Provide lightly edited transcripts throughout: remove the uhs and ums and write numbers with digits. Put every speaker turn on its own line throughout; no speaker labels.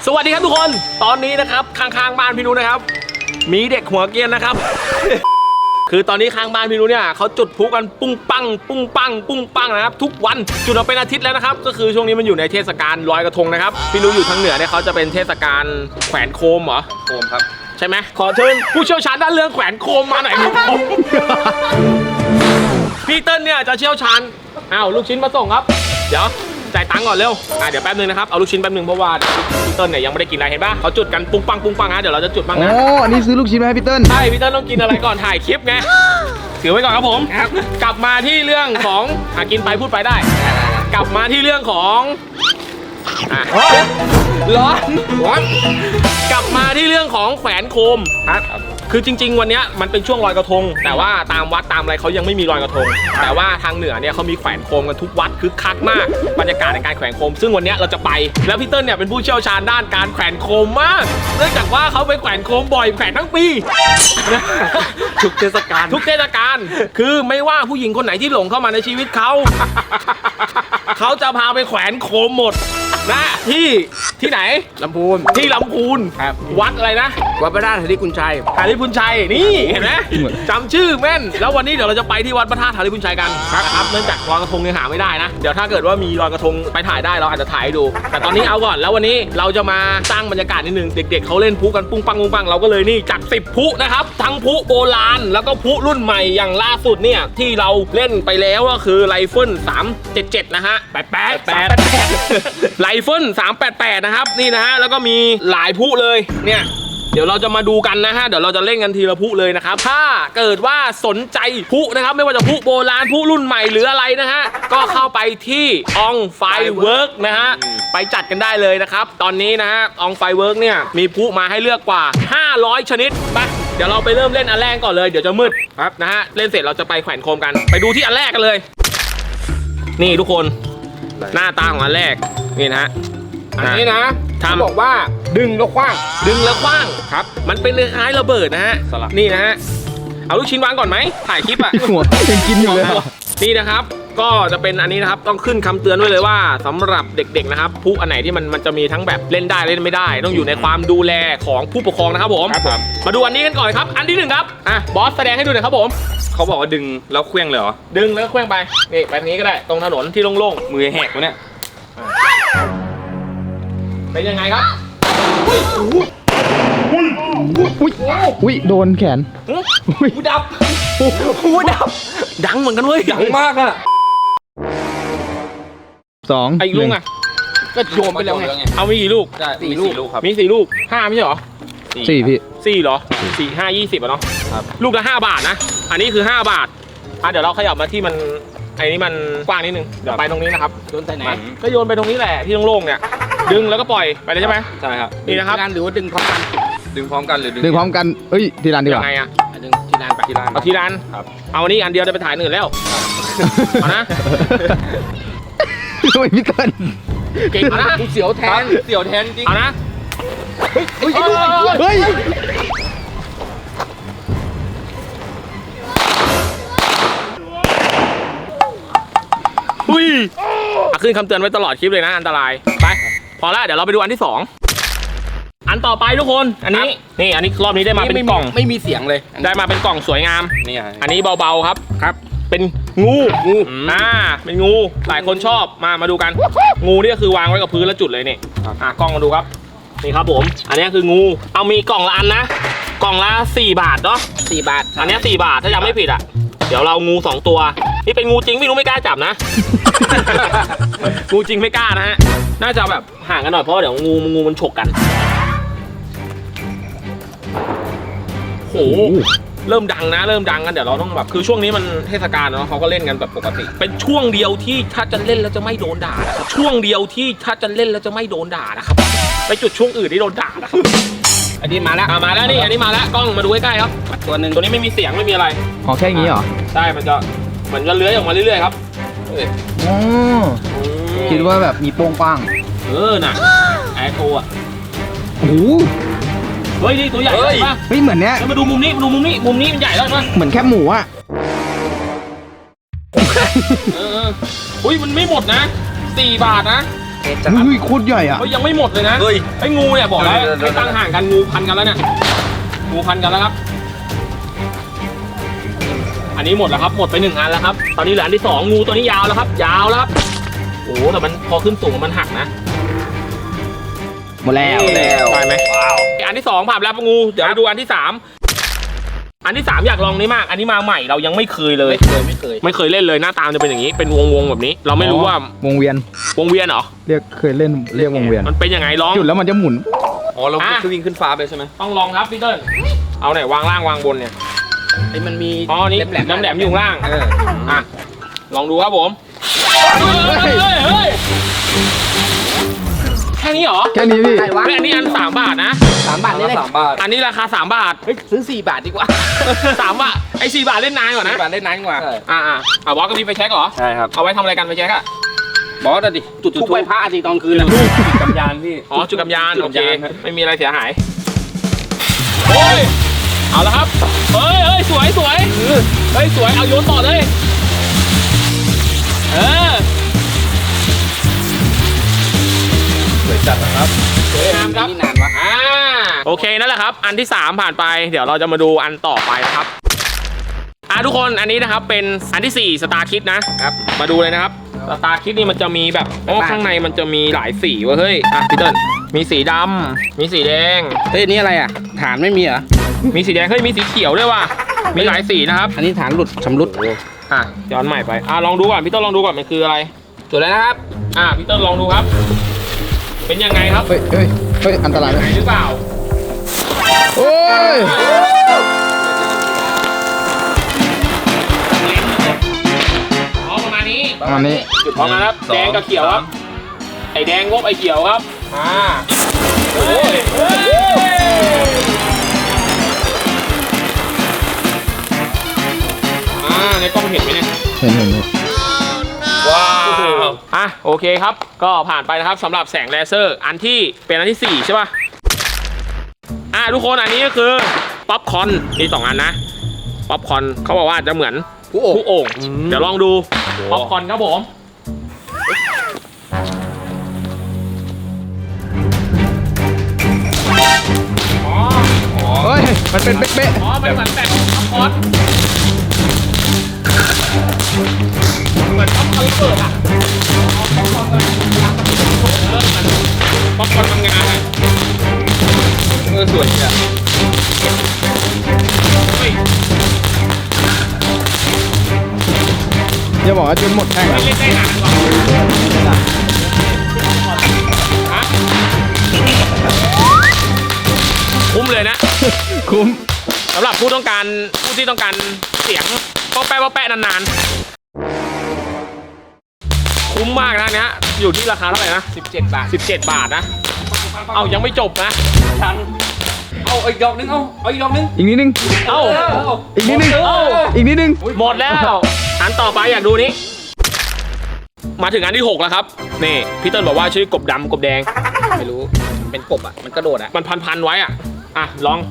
สวัสดีครับทุกคนตอนนี้นะครับข้างๆบ้านพี่นุ้นะครับมีเด็กหัวเกรียนนะครับ คือตอนนี้ข้างบ้านพี่นุ้เนี่ยเขาจุดพลุกันปุ้งปังปุ้งปังปุ้งปังนะครับทุกวันจุดมาเป็นอาทิตย์แล้วนะครับก็คือช่วงนี้มันอยู่ในเทศกาลลอยกระทงนะครับพี่นุ้อยู่ทางเหนือเนี่ยเขาจะเป็นเทศกาลแขวนโคมเหรอโคมครับใช่ไหมขอเชิญผู้เชี่ยวชาญด้านเรื่องแขวนโคมมาหน่อย พี่เติ้ลเนี่ยจะเชี่ยวชาญอ้าวลูกชิ้นมาส่งครับเดี๋ยวจ่ายตังค์ก่อนเร็วเดี๋ยวแป๊บนึงนะครับเอาลูกชิ้นแป๊บนึงเพราะว่าพี่เติ้ลเนี่ยยังไม่ได้กินอะไรเห็นปะเขาจุดกันปุ้งปังปุ้งปังนะเดี๋ยวเราจะจุดบ้างนะ
อันนี้ซื้อลูกชิ้นมาให้พี่เติ้ล
ใช่พี่เติ้ลต้องกินอะไรก่อนถ่ายคลิปไงถือไว้ก่อนครับผมกลับมาที่เรื่องของกินไปพูดไปได้กลับมาที่เรื่องของร้อนกลับมาที่เรื่องของแขวนโคมครับคือจริงๆวันนี้มันเป็นช่วงลอยกระทงแต่ว่าตามวัดตามอะไรเขายังไม่มีลอยกระทงแต่ว่าทางเหนือเนี่ยเขามีแขวนโคมกันทุกวัดคึกคักมากบรรยากาศในการแขวนโคมซึ่งวันนี้เราจะไปแล้วพี่เติ้ลเนี่ยเป็นผู้เชี่ยวชาญด้านการแขวนโคมมากเนื่องจากว่าเขาไปแขวนโคมบ่อยแขวนทั้งปีทุกเทศกาลคือไม่ว่าผู้หญิงคนไหนที่หลงเข้ามาในชีวิตเขาเขาจะพาไปแขวนโคมหมดนะที่ไหน
ลำพูน
ที่ลำพูนวัดอะไรนะ
วัดพระธาตุหาริพุนชัย
นี่เห็นไหมจำชื่อแม่นแล้ววันนี้เดี๋ยวเราจะไปที่วัดพระธาตุหาริพุนชัยกันครับเนื่องจากลอยกระทงยังหาไม่ได้นะเดี๋ยวถ้าเกิดว่ามีลอยกระทงไปถ่ายได้เราอาจจะถ่ายให้ดูแต่ตอนนี้เอาก่อนแล้ววันนี้เราจะมาสร้างบรรยากาศนิดนึงเด็กๆเขาเล่นพลุกันปุ้งปังปุ้งปังเราก็เลยนี่จัด10พลุนะครับทั้งพลุโบราณแล้วก็พลุรุ่นใหม่อย่างล่าสุดเนี่ยที่เราเล่นไปแล้วก็คือไรเฟิล377นะฮะ88ไรเฟิล388นะครับนี่นะฮะแล้วก็มีหลายพลุเลยเนี่ยเดี๋ยวเราจะมาดูกันนะฮะเดี๋ยวเราจะเล่นกันทีละพลุเลยนะครับถ้าเกิดว่าสนใจพลุนะครับไม่ว่าจะพลุโบราณพลุรุ่นใหม่หรืออะไรนะฮะก็เข้าไปที่องไฟเวิร์กนะฮะไปจัดกันได้เลยนะครับตอนนี้นะฮะองไฟเวิร์กเนี่ยมีพลุมาให้เลือกกว่า500ชนิดไปเดี๋ยวเราไปเริ่มเล่นอันแรกก่อนเลยเดี๋ยวจะมืดครับนะฮะเล่นเสร็จเราจะไปแขวนโคมกันไปดูที่อันแรกกันเลยนี่ทุกคนหน้าตาของอันแรกนี่นะฮะอันนี้นะบอกว่าดึงแล้วคว้างครับมันเป็นคล้ายระเบิดนะฮะนี่นะฮะเอาลูกชิ้นวางก่อนไหมถ่ายคลิปอ่ะ
หัวยังกินอยู่เลย
นี่นะครับก็จะเป็นอันนี้นะครับต้องขึ้นคำเตือนไว้เลยว่าสำหรับเด็กๆนะครับพลุอันไหนที่มันจะมีทั้งแบบเล่นได้เล่นไม่ได้ต้องอยู่ในความดูแลของผู้ปกครองนะครับผมมาดูอันนี้กันก่อนครับอันที่1ครับบอสแสดงให้ดูหน่อยครับผม
เขาบอกว่าดึงแล้วเคลื่องเลยเหรอ
ดึงแล้วเคลื่องไปนี่ไปทางนี้ก็ได้ตรงถนนที่โล่ง
ๆมือแหกวะเนี่ย
เป็นยังไงครับ
อุ้ยโดนแขน
หูดับดังเหมือนกันเว้ย
ดังมากอะ
2
ไอ้ลูกอะก็โยนไปแล้วไงเอามีกี่ลูก
4 ลูกครับ
มี4 ลูก5ไม่ใช่เหรอ
4พี่
4เหรอ4 5 20อ่ะเนาะลูกละ5 บาทนะอันนี้คือ5 บาทเดี๋ยวเราขยับมาที่มันไอ้นี่มันกว้างนิดนึงเดี๋ยวไปตรงนี้นะครับ
โยนไปไหน
ก็โยนไปตรงนี้แหละที่โล่งๆเนี่ยดึงแล้วก็ปล่อยไปเลยใช่ไหม
ใช่ครับ
นี่นะครับ
หรือว่าดึงพร้อมกันหรือ
ดึงพร้อมกันเอ้ยทีร้านดีกว่า
ยังไงอะ
ดึงทีร้าน
เอาทีร้านครับเอาอันนี้อันเดียวจะไปถ่ายอื่นแล้วเอานะ
ทำไมพี่เติ้ล
เก่งนะ
เสียวแทนจริง
เอานะ
เฮ้ย
ขึ้นคำเตือนไว้ตลอดคลิปเลยนะอันตรายไปพอแล้วเดี๋ยวเราไปดูอันที่2อันต่อไปทุกคนอันนี้นี่อันนี้รอบนี้ได้มาเป็นกล่อง
ไม่มีเสียงเลย
ได้มาเป็นกล่องสวยงาม
นี่
อันนี้เบาๆครับเป็นงูเป็นงูหลายคนชอบมาดูกันงูนี่ก็คือวางไว้กับพื้นแล้วจุดเลยนี่กล้องมาดูครับนี่ครับผมอันนี้คืองูเอามีกล่องละอันนะกล่องละ4 บาทเนาะ
4 บาท
อันนี้4 บาทถ้ายังไม่ผิดอ่ะเดี๋ยวเรางู2 ตัวนี่เป็นงูจริงไม่รู้ไม่กล้าจับนะ งูจริงไม่กล้านะฮะน่าจะแบบห่างกันหน่อยเพราะเดี๋ยวงูมันฉกกันโหเริ่มดังกันเดี๋ยวเราต้องแบบคือช่วงนี้มันเทศกาลเนาะเขาก็เล่นกันแบบปกติเป็นช่วงเดียวที่ถ้าจะเล่นแล้วจะไม่โดนด่านะครับช่วงเดียวที่ถ้าจะเล่นแล้วจะไม่โดนด่านะครับไปจุดช่วงอื่นที่โดนด่านะครับ
อันนี้มาแล้ว
นี่อันนี้มาแล้วกล้องมาดูใกล้ๆครับตัวนี้ไม่มีเสียงไม่มีอะไร
แค่นี้เหรอ
ใช่มันจะเหมือนจะเลื้อยออกมาเรื่อยๆครับ
คิดว่าแบบมีโป้งป้าง
น่ะแอร์โทรอ่ะ
โอ้
เฮ้ยนี่ตัวใหญ่ป่ะ
เฮ้ยเหมือนเนี้ย
มาดูมุมนี้มันใหญ่แล้วนะ
เหมือนแคบหมูอ่ะ
อุ้ยมันไม่หมดนะ4 บาทนะ
เฮ้ยโคตรใหญ่อ่ะ
เขายังไม่หมดเลยนะ
เฮ้ย
ไอ้งูเนี่ยบอกแล้ว
เดี๋ยว
ให้ตั้งห่างกันงูพันกันแล้วเนี่ยงูพันกันแล้วครับ อันนี้หมดแล้วครับหมดไป1อันแล้วครับตอนนี้เหลืออันที่2งูตัวนี้ยาวแล้วครับยาวแล้วครับโอ้แต่มันพอขึ้นสูงมันหักนะ
หมดแล้ว
ได้ไหมว้าวอันที่2ผ่านแล้วงูเดี๋ยวไปดูอันที่3อันที่3อยากลองนี้มากอันนี้มาใหม่เรายังไม่เคยเลย
ไม่เคย
เล่นเลยหน้าตามจะเป็นอย่างนี้เป็นวงแบบนี้ เราไม่รู้ว่าว
งเวียน
วงเวียนเหรอ
เรียกเคยเล่นเรียกวงเวียน
มันเป็นยังไงลอง
จุดแล้วมันจะหมุน
อ๋อเราคือวิ่งขึ้นฟ้าไปใช่ไหม
ต้องลองครับพี่เติ้ลเอาไหนวางล่างวางบนเนี่ย
ไอ้มันมี
อ๋อนี่น้ำแหลมอยู่ข้างล่าง อ่ะลองดูครับผมเฮ้ยแค่นี้เหรอ
แค่นี้พี่
เฮ้ยอันนี้อัน3 บาทนะ
3 บาทนี่ได้3 บาท
อันนี้ราคา3 บาท
เฮ้ยซื้อ4 บาทดีกว่า
3 บาทไอ้4 บาทเล่นนานกว่านะ
4 บาทได้นานกว่า
อ่ะบอสก็มีไฟแช็กเหรอ
ใช่ครับ
เอาไว้ทำอะไรกันไฟแช็กอะ
บอสดิจุดทูบไหว้พระอาทิตย์ตอนคืนกำยานพี่
อ๋อจุดกำยาน
จุด
โอเค
กำยานครับ
ไม่มีอะไรเสียหายโอ้ยเอาละครับเฮ้ยสวยเฮ้ยสวยเอาโยนต่อเลย
สวยจัดนะครับ
สวยงามครับ
นี่นานวะ
โอเคนั่นแหละครับอันที่3ผ่านไปเดี๋ยวเราจะมาดูอันต่อไปนะครับทุกคนอันนี้นะครับเป็นอันที่4สตาร์คิดนะครับมาดูเลยนะครับสตาร์คิดนี่มันจะมีแบบข้างในมันจะมีหลายสีเว้ยเฮ้ยพี่เติ้ลมีสีดำมีสีแดง
เฮ้ยนี่อะไรอ่ะฐานไม่มีเหรอ
มีสีแดงเฮ้ยมีสีเขียวด้วยว่ะมีหลายสีนะครับ
อันนี้ฐานหลุดชำรุด
ย้อนใหม่ไปลองดูก่อนพี่เติ้ลลองดูก่อนมันคืออะไร
จุดแล้วนะครับ
พี่เติ้ลลองดูครับ เป็นยังไงครับ
เฮ้ยอันตรายไหม
หรือเปล่า
โอ้ย
ประมาณนี้
อันนี้
พร้อมนะครับแดงกับเขียวครับไอแดงงบไอเขียวครับโอ้ยในกล้องเห็นไหมเนี่ย
เห็น
ว้าวโอเคครับก็ผ่านไปนะครับสำหรับแสงเลเซอร์อันที่เป็นอันที่4ใช่ป่ะทุกคนอันนี้ก็คือป๊อปคอร์นมี2 อันนะป๊อปคอร์นเขาบอกว่าจะเหมือนผู้โอ่งเดี๋ยวลองดูป๊อปคอร์นครับผม
เฮ้ยมันเป็นเป๊ะ
มันเหมือนแบบป๊อปคอร์นเหมือนป๊อปคอร์นเปิดอ่ะป๊อปคอร์นทำงานอ่ะ
สวยจัด
อย่าบอกว่าจนหมดแท่ง
ไม่
อะ
เล่นได้นานหรอกคุ้มเลยนะ
คุ้ม
สำหรับผู้ที่ต้องการเสียงป๊อปแปะนานๆคุ้มมากนะเนี้ยอยู่ที่ราคาเท่าไหร่นะ
17 บาท
17 บาทนะเอายังไม่จบนะ
เอาอีกดอกนึงเอาอีกดอกนึง
อีกนิดนึง
เอา
อีกนิดนึงอีกนิดนึง
หมดแล้วอันต่อไปอยากดูนี้มาถึงอันที่6แล้วครับนี่พี่เติ้ลบอกว่าชื่อกบดำกบแดง
ไม่รู้เป็นกบอ่ะมันกระโดดอ่ะ
มันพันไว้ลอง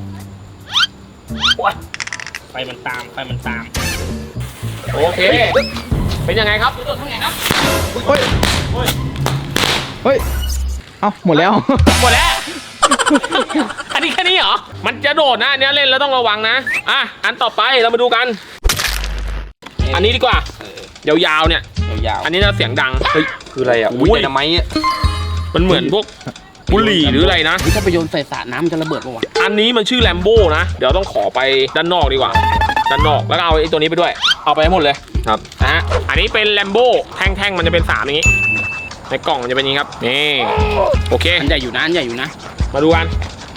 ไฟมันตามโอเคเป็นยังไงครับ
เฮ้ยเอ้าหมดแล้ว
หมดแล้ว อันนี้แค่นี้เหรอมันจะโดดนะอันนี้เล่นแล้วต้องระวังนะอันต่อไปเรามาดูกัน อันนี้ดีกว่ายาวๆเนี่ย
ยาว
อันนี้น่าเสียงดังเฮ้ย
คืออะไรอ่ะ
อุ้ย
ไดนาไมต์
มันเหมือนพวกบุหรี่หรืออะไรนะ
ถ้าไปโยนใส่สระน้ำมันจะระเบิดปะวะ
อันนี้มันชื่อแลมโบ้นะเดี๋ยวต้องขอไปด้านนอกดีกว่าด้านนอกแล้วก็เอาไอ้ตัวนี้ไปด้วยเอาไปให้หมดเลย
ครับ
อันนี้เป็นแลมโบ้แท่งๆมันจะเป็น3อย่างนี้ในกล่องมันจะเป็นอย่างนี้ครับนี่โอเค
อันใหญ่อยู่นะอันใหญ่อยู่นะ
มาดูกัน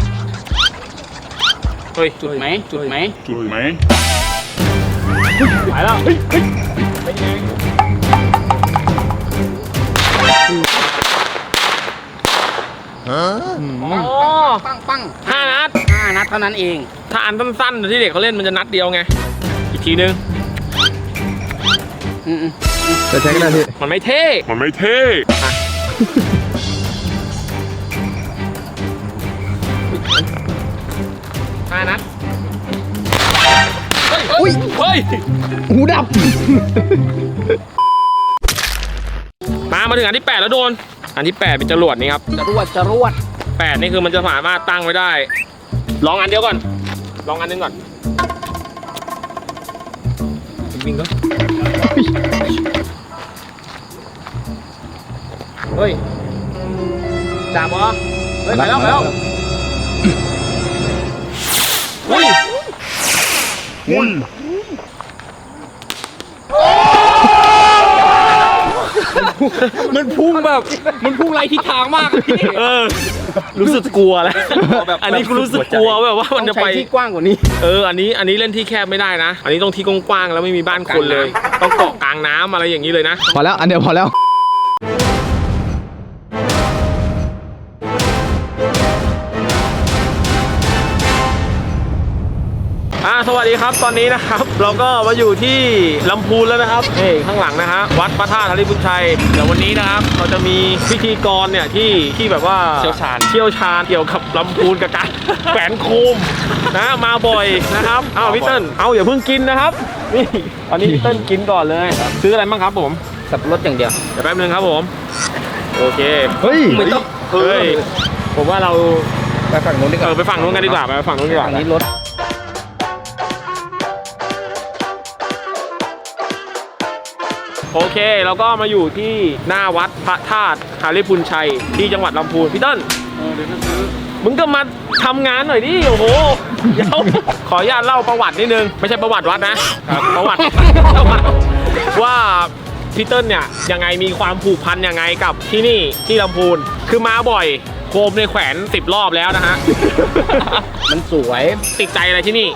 เฮ้ย
จุดไหม
ไปแล้วเป็นไงอ๋อ
ปัง
5 นัด
5 นัดเท่านั้นเอง
ถ้าอันสั้นๆที่เด็กเขาเล่นมันจะนัดเดียวไงอีกทีนึง
จะใช้ก็ได้พี่
มันไม่เท่ 5 นัดเฮ้ย
หูดับ
มาถึงอันที่8แล้วโดนอันที่8เป็นจรวดนี่ครับ
จรวด
8นี่คือมันจะสามารถตั้งไว้ได้ลองอันเดียวก่อนลองอันนึงก่อนวิ่งก็เฮ้ยจับเหรอเฮ้ยไปแล้วอุ้ย
มันพุ่งแบบมันพุ่งไรทิศทางมากพี่
รู้สึกกลัวแล้วอันนี้กูรู้สึกกลัวแบบว่ามันจะไป
ที่กว้างกว่านี้
อันนี้เล่นที่แคบไม่ได้นะ อันนี้ต้องที่กว้างๆแล้วไม่มีบ้านคนเลย ต้องเกาะกลางน้ำอะไรอย่างนี้เลยนะ
พอแล้วอันเดียวพอแล้ว
สวัสดีครับตอนนี้นะครับ เราก็มาอยู่ที่ลำพูนแล้วนะครับนี่ข้างหลังนะฮะวัดพระธาตุธริพุทธชัยเดี๋ยววันนี้นะครับเราจะมีพิธีกรเนี่ยที่แบบว่าเชี่ยวชาญเกี่ยวกับลำพูนกับการ แขวนโคมนะมาบ่อยนะครับพี่เติ้ลอย่าเพิ่งกินนะครับนี่ตอนนี้พี่เติ้ลกินก่อนเลยซื้ออะไรบ้างครับผม
สับปะรดอย่างเดียว
เดี๋ยวแป๊บนึงครับผมโอเค
เฮ้ย
ไม่ต้อง
เฮ้ยผมว่าเรา
ไปฝั่งนู้นดีกว่า
ไปฝั่งนู้นกันดีกว่าไปฝั่งนู้นดีกว่า
ฝั่งนี้รถ
โอเคเราก็มาอยู่ที่หน้าวัดพระธาตุธริพุนชัยที่จังหวัดลำพูนพี่เติ้ลเดี๋ยวซื้อมึงก็มาทำงานหน่อยดิโอ้โหเดี๋ยวขออนุญาตเล่าประวัตินิดนึงไม่ใช่ประวัติวัดนะประวัติว่าพี่เติ้ลเนี่ยยังไงมีความผูกพันยังไงกับที่นี่ที่ลำพูนคือมาบ่อยโคมในแขวน10 รอบแล้วนะฮะ
มันสวย
ติดใจอะไรที่นี่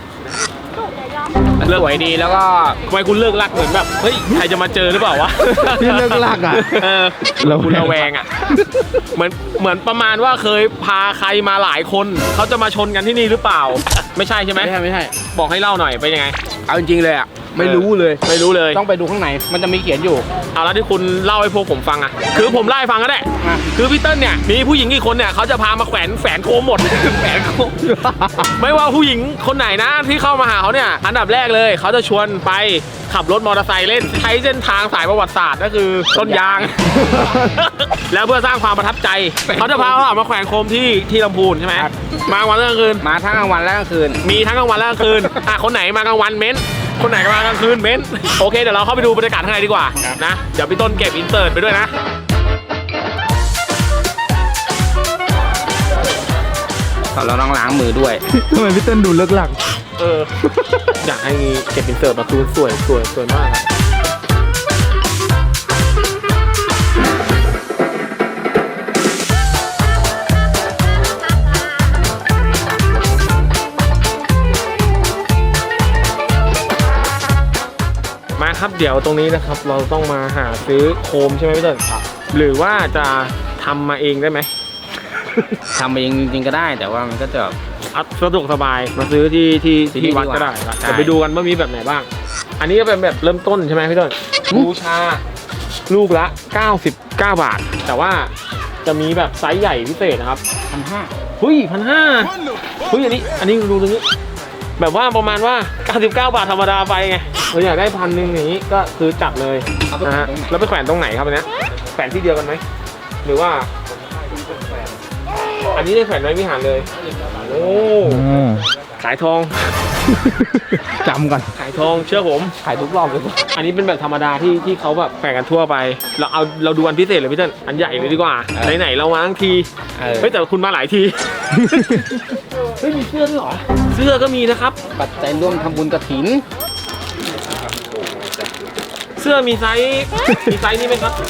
มันสวยดีแล้วก็
ทำไมคุณเลิกรักเหมือนแบบเฮ้ยใครจะมาเจอหรือเปล่าวะ
พี่เลิกรักอ่ะ
คุณระแวงอ่ะเหมือนประมาณว่าเคยพาใครมาหลายคนเขาจะมาชนกันที่นี่หรือเปล่า ไม่ใช่ใช่ไหม
ไม่ใช่
บอกให้เล่าหน่อยเป็นยังไง
เอาจริงๆเลยอ่ะไม่รู้เลย
ไม่รู้เลย
ต้องไปดูข้างในมันจะมีเขียนอยู่
เอาแล้วที่คุณเล่าให้พวกผมฟังอ่ะคือผมเล่าให้ฟังก็ได้
อ่ะ
คือพี่เติ้ลเนี่ยมีผู้หญิงกี่คนเนี่ยเขาจะพามาแขวนโคมหมด แขวนโคม ไม่ว่าผู้หญิงคนไหนนะที่เข้ามาหาเขาเนี่ยอันดับแรกเลยเขาจะชวนไปขับรถมอเตอร์ไซค์เล่นใช้เส้นทางสายประวัติศาสตร์ก็คือต้นยาง แล้วเพื่อสร้างความประทับใจเขาจะพาเรามาแขวนโคมที่ลำพูนใช่ไหมมากลางวันและกลางคืน
มาทั้งกลางวันและกลางคืน
มีทั้งกลางวันและกลางคืนคนไหนมากลางวันเม้นคนไหนมากลางคืนเม้นโอเคเดี๋ยวเราเข้าไปดูบรรยากาศข้างในดีกว่านะเดี๋ยวพี่ต้นเก็บอินเสิร์ตไปด้วยนะ
เราต้องล้างมือด้วย
ทำไมพี่เติ้ลดูเลิกรัก
อยากให้เก็บอินเสิร์ตมาคือสวยมากอะมาครับเดี๋ยวตรงนี้นะครับเราต้องมาหาซื้อโคมใช่ไหมพี่เติ้ลหรือว่าจะทำมาเองได้ไหม
ทำเองจริงๆก็ได้แต่ว่ามันก็จะ
สะดวกสบายมาซื้อที่วัดก็ได้ครับ
ใช่
เดี๋ยวไปดูกันว่ามีแบบไหนบ้าง อันนี้ก็เป็นแบบเริ่มต้นใช่ไหมพี่ต้นบูชาลูกละ99 บาท แต่ว่าจะมีแบบไซส์ใหญ่พิเศษนะครับ
1,500
เฮ้ย1,500เฮ้ยอันนี้ดูตรงนี้ แบบว่าประมาณว่า99 บาทธรรมดาไปไงเราอยากได้1,000อย่างนี้ก็คือจัดเลยนะฮะแล้วไปแขวนตรงไหนครับอันเนี้ยแขวนที่เดียวกันไหมหรือว่า อันนี้ได้แขวนไว้วิหารเลยโอ้ขายทอง
จำก่อน
ขายทองเชื่อผม
ขายทุกรอบเลย
อันนี้เป็นแบบธรรมดาที่เขาแบบแขวนกันทั่วไปเราดูอันพิเศษเลยพี่เติ้ลอันใหญ่เลยดีกว่าไหนๆเรามาทั้งทีเฮ้ยแต่คุณมาหลายที เฮ้ยมีเสื้อด้วยเหรอเสื้อก็มีนะครับ
ปัจจัยร่วมทำบุญกฐิน
เสื้อมีไซส์นี่ไหมครับ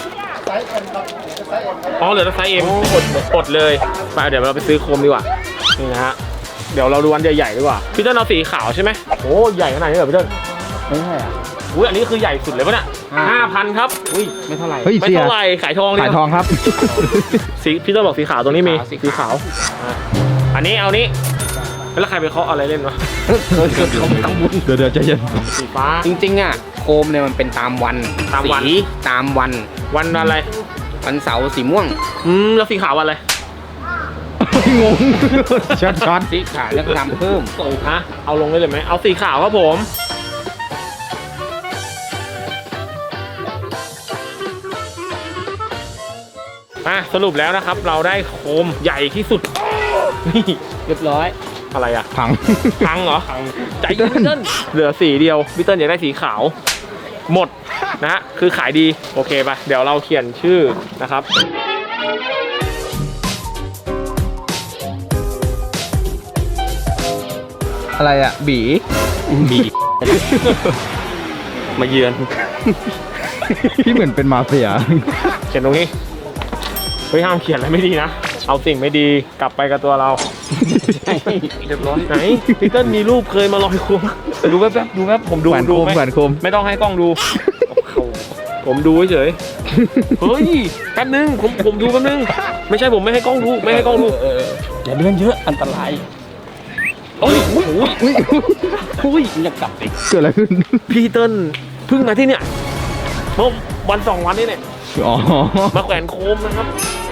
อ๋อเหลือแต่ไซส์ M อดเลยไปเดี๋ยวเราไปซื้อโคมดีกว่านี่นะฮะเดี๋ยวเราดูอันใหญ่ๆดีกว่าพี่เติ้ลเอาสีขาวใช่ไหมโอ้ใหญ่ขนาดนี้เหรอพี่เติ้ล
ไม่ใช่อ่ะ
อุ้ยอันนี้คือใหญ่สุดเลยปะเนี่ย 5,000 ครับ
อุ้ยไม่เท่าไหร่
เฮ้ย
ไม่
เสีย
เท่าไหร่ขายทอง
ขายทองครับ
สีพี่เติ้ลบอกสีขาวตรงนี้มี
สีขาว
อันนี้เอานี้แล้วใครไปเคาะอะไรเล่นวะ
เขาทำบุญ
เดี๋ยวใจเย็น
สีฟ้า
จริงๆอ่ะโคมเนี่ยมันเป็นตามวัน
ตามวัน
สีตามวัน
วันอะไร
วันเสาร์สีม่วง
แล้วสีขาววันอะไร
งง ช็อต
สีขาวแล้วก็ทำเพิ่ม
ฮะเอาลงได้เลยไหมเอาสีขาวครับผมสรุปแล้วนะครับเราได้โคมใหญ่ที่สุดนี่
เรียบร้อย
อะไรอะ
พัง
พังเหรอใจเย็นพี่เติ้ลเหลือสีเดียวพี่เติ้ลอยากได้สีขาวหมดนะฮะคือขายดีโอเคป่ะเดี๋ยวเราเขียนชื่อนะครับ
อะไรอ่ะบี
บีมาเยือน
พี่เหมือนเป็นมาเฟีย
เขียนตรงนี้เฮ้ยห้ามเขียนอะไรไม่ดีนะเอาสิ่งไม่ดีกลับไปกับตัวเราเรียบร้อยไหนพี่เติ้ลมีรูปเคยมาลอยโคมดูแป๊บๆดูแป๊บผมดู
แหวนโคม
ไห
แหวนโคม
ไม่ต้องให้กล้องดูผมดูเฉยเฮ้ยแป๊บนึงผมดูแป๊บนึงไม่ใช่ผมไม่ให้กล้องดูไม่ให้กล้องดู
อย่าเลื่อนเยอะอันตราย
โอ้ย
อุ้ยมันจะกลับอีก
เกิดอะไรขึ้น
พี่เติ้ลเพิ่งมาที่เนี่ยเมื่อวัน2 วันนี้เนี่ย
อ๋อ
มาแขวนโคมนะครับ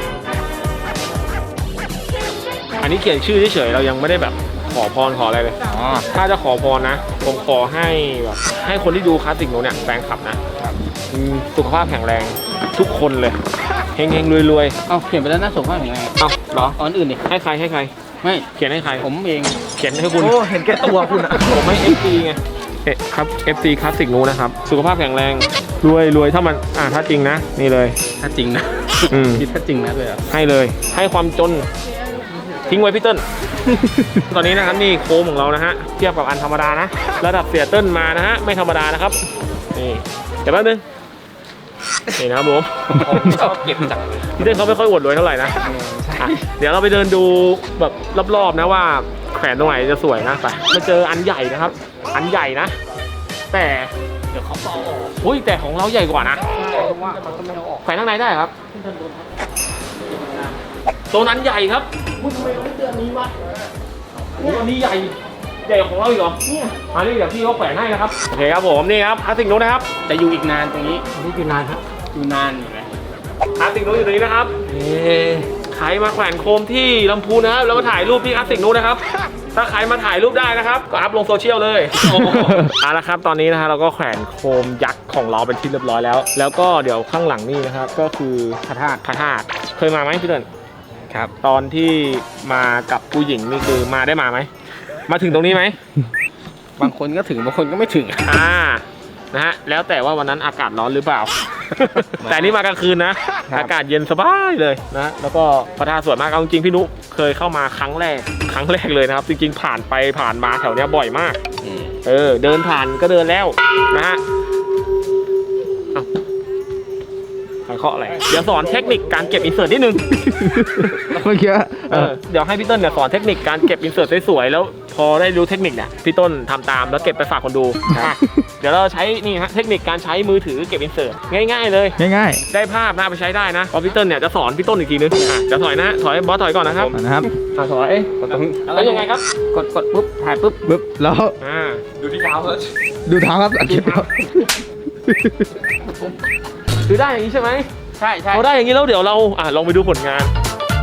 อันนี้เขียนชื่อเฉยๆเรายังไม่ได้แบบขอพรขออะไรเลย
อ๋อ
ถ้าจะขอพรนะผมขอให้แบบให้คนที่ดูคลาสสิกโนเนี่ยแฟนคลับนะสุขภาพแข็งแรงทุกคนเลยเฮงๆรวย
เอาเขียนไปแล้วน่าสงสารยังไง
ๆเอ้าเหรอ
อันอื่นดิ
ให้ใครให้ใคร
ไม่
เขียนให้ใคร
ผมเอง
เขียนให้คุณ
โอ้เห็นแก่ตัวคุณอะ
ผมไม่ FC ไงครับ FC คลาสสิกโนนะครับสุขภาพแข็งแรงรวยถ้ามันถ้าจริงนะนี่เลย
ถ้าจริงนะ
อืม
คิดถ้าจริงนะเลยอ่ะ
ให้เลยให้ความจนทิ้งไว้พี่เติ้ล ตอนนี้นะครับนี่โคมของเรานะฮะเทียบกับอันธรรมดานะระดับเสียเติ้ลมานะฮะไม่ธรรมดานะครับนี่เดี๋ยวแป๊บนึงนี่นะครับผม
ชอบเก็บจัง
พี่เติ้ลเขาไม่ค่อยอวดรวยเท่าไหร่นะอ่ะเดี๋ยวเราไปเดินดูแบบรอบๆนะว่าแขวนตรงไหนจะสวยนะไปมาเจออันใหญ่นะครับ อันใหญ่นะ แต่เดี๋ยวเขาเอาออกอุ้ยแต่ของเราใหญ่กว่านะ
ว่ามันก็ไม่เอาออก
แขวนข้างในได้ครับโซนนั้นใหญ่ครับทำไมเราไม่เตือนนี้วะอันนี้ใหญ่ของเราอีกเหรออันนี้เดี๋ยวพี่เขาแขวนให้นะครับโอเคครับผมนี่ครับคลาสสิกโน้ตนะครับ
แต่อยู่อีกนานตรงนี้
นี่คือนานครับ
อยู่นานอยู่นะ
คลาสสิกโน้ตอยู่ตรงนี้นะครับใครมาแขวนโคมที่ลำพูนนะครับแล้วมาถ่ายรูปที่คลาสสิกโน้ตนะครับถ้าใครมาถ่ายรูปได้นะครับก็อัพลงโซเชียลเลยเอาละครับตอนนี้นะฮะเราก็แขวนโคมยักษ์ของเราเป็นที่เรียบร้อยแล้วแล้วก็เดี๋ยวข้างหลังนี่นะครับก็คือพระธาตุเคยมาไหมพี่เติ้ล
ครับ
ตอนที่มากับผู้หญิงนี่คือมาได้มาไหมมาถึงตรงนี้ไหม
บางคนก็ถึงบางคนก็ไม่ถึง
นะฮะแล้วแต่ว่าวันนั้นอากาศร้อนหรือเปล่า แต่นี่มากลางคืนนะ อากาศเย็นสบายเลยนะแล้วก็พระธาตุสวยมากเอาจริงๆพี่นุเคยเข้ามาครั้งแรกเลยนะครับจริงๆผ่านไปผ่านมาแถวเนี้ยบ่อยมากเดินผ่านก็เดินแล้วนะฮะใครเคาะอะไรเดี๋ยวสอนเทคนิคการเก็บอินเสิร์ตนิดนึง
เมื่อกี้
เดี๋ยวให้พี่ต้นเนี่ยสอนเทคนิคการเก็บอินเสิร์ตสวยๆแล้วพอได้รู้เทคนิคเนี่ยพี่ต้นทำตามแล้วเก็บไปฝากคนดูเดี๋ยวเราใช้นี่ฮะเทคนิคการใช้มือถือเก็บอินเสิร์ตง่ายๆเลย
ง่าย
ได้ภาพนะไปใช้ได้นะพอพี่ต้นเนี่ยจะสอนพี่ต้นอีกทีนึงจะถอยนะถอยบอสถอยก่อนนะครับ
ๆนะครับ
ถอยแล้วยังไงครับ
กดปุ๊บถ่ายปุ๊บ
ปึ๊บแล้ว
ดูที่เท้าครับ
ดูเท้าครับอัดคลิปครับ
คือได้อย่างนี้ใช่ไหม
ใช่
พอได้อย่างนี้แล้วเดี๋ยวเราลองไปดูผลงาน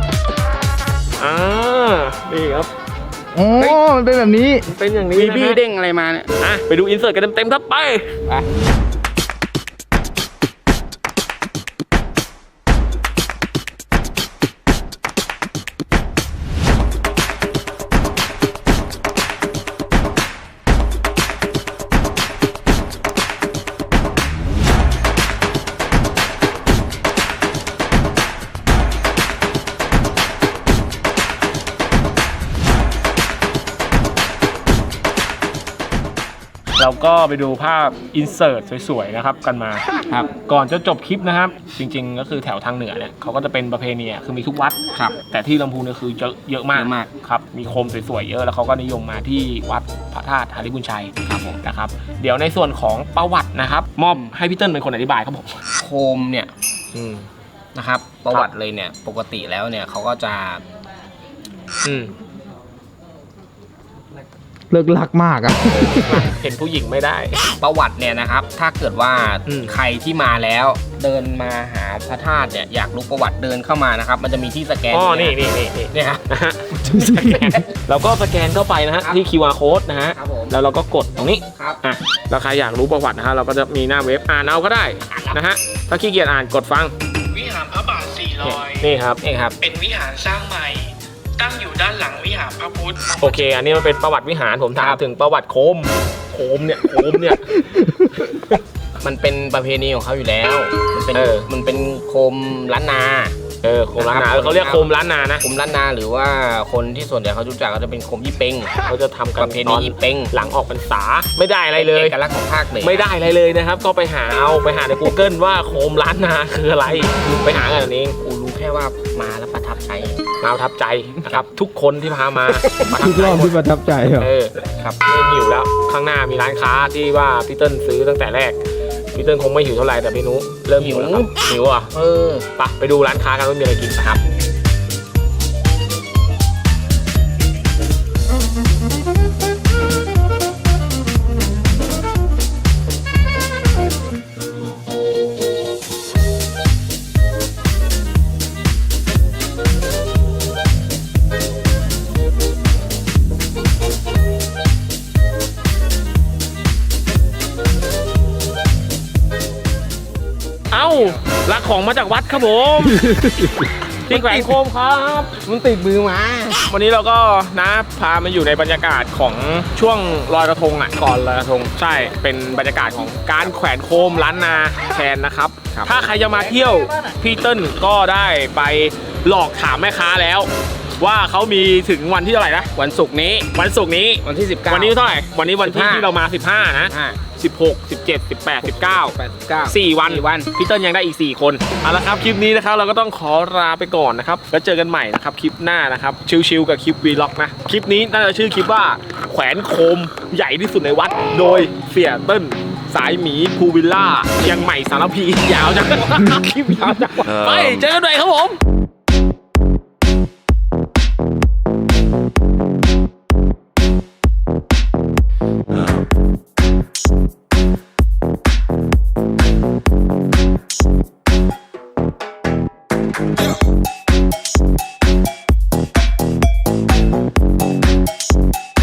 นี่ครับ
โอ้มันเป็นแบบนี้
เป็นอย่างนี้
มี
นะ
บี้
ฮะ
เด้งอะไรมาเนี่ย
ไปดูอินเสิร์ตกันเต็มๆครับไป เราก็ไปดูภาพอินเสิร์ตสวยๆนะครับกันมาครับก่อนจะจบคลิปนะครับจริงๆก็คือแถวทางเหนือเนี่ยเขาก็จะเป็นประเพณีคือมีทุกวัดครับแต่ที่ลำพูนเนี่ยคือเยอะมากครับมีโคมสวยๆเยอะแล้วเขาก็นิยมมาที่วัดพระธาตุหาริบุญชัยครับผมนะครับเดี๋ยวในส่วนของประวัตินะครับมอบให้พี่เติ้ลเป็นคนอธิบายครับผม
โคมเนี่ยนะครับประวัติเลยเนี่ยปกติแล้วเนี่ยเขาก็จะ
เลิกลักมากอ่ะ
เห็นผู้หญิงไม่ได้
ประวัติเนี่ยนะครับถ้าเกิดว่า ใครที่มาแล้วเดินมาหาพระธาตุเนี่ยอยากรู้ประวัติเดินเข้ามานะครับมันจะมีที่สแกน
นี่
เนี่ยครับ
นะฮะเราก็สแกนเข้าไปนะฮะที่ QR code นะฮะ
ครับผม
แล้วเราก็กดตรงนี้
ครับ
แล้วใครอยากรู้ประวัตินะฮะเราก็จะมีหน้าเว็บอ่านเอาก็ได้นะฮะถ้าขี้เกียจอ่านกดฟังวิหารพระบาท400 นี่ครับ
นี่ครับ
เป็นวิหารสร้างใหม่ ตั้งอยู่ด้านหลังวิหารพระพุทธ
โอเค อันนี้มันเป็นประวัติวิหารผมถามถึงประวัติโคมเนี่ย
มันเป็นประเพณีของเขาอยู่แล้ว มันเป็นโคมล้านนา
โคมล้านนาเขาเรียกโคมล้านนานะ
โคมล้านนาหรือว่าคนที่ส่วนใหญ่เขารู้จักก็จะเป็นโคมยี่เป้ง
เขาจะทำกัน
ประเพณียี่เป้ง
หลังออกพรรษาไม่ได้อะไรเลย
เอกลักษณ์ของภาคเหนือ
ไม่ได้อะไรเลยนะครับ ก็ไปหาใน Google ว่าโคมล้านนาคืออะไรไปหากันเอง
กูรู้แค่ว่ามาแล้วประทับใจ
มาประทับใจนะครับทุกคนที่พามาประทั
ทุ
บ
ก
ใจ
รอบที่ประทับใจเหรอ
ครับเริ่มหิวแล้วข้างหน้ามีร้านค้าที่ว่าพี่เติ้ลซื้อตั้งแต่แรกพี่เติ้ลคงไม่หิวเท่าไหร่แต่พี่นุเริ่มหิวแล้วครับหิวอ่ะไปดูร้านค้ากันว่ามีอะไรกินนะครับรักของมาจากวัดครับผมที่แขวนโคมครับ
มันติดมือมา
วันนี้เราก็นะพามาอยู่ในบรรยากาศของช่วงลอยกระทงอ่ะก่อนลอยกระทงใช่เป็นบรรยากาศของการแขวนโคมล้านนาแทนนะครับถ้าใครจะมาเที่ยวพี่เติ้ลก็ได้ไปหลอกถามแม่ค้าแล้ว ว่าเขามีถึงวันที่เท่าไหร่นะ
วันศุกร์นี้
วันศุกร์นี้
วันที่19
วันนี้เท่าไหร่วันนี้วันที่
15
ที่เรามา15นะ16 17 18 19 4 วันพี่เติ้ลยังได้อีก4คนเอาละครับคลิปนี้นะครับเราก็ต้องขอลาไปก่อนนะครับแล้วเจอกันใหม่นะครับคลิปหน้านะครับชิลๆกับคลิปวีล็อกนะคลิปนี้น่าจะชื่อคลิปว่าแขวนโคมใหญ่ที่สุดในวัดโดยเสี่ยเติ้ลสายหมีภูวิลล่าเชียงใหม่สารพียาวจัง คลิปยาวจังไปเจอกันใหม่ครับผม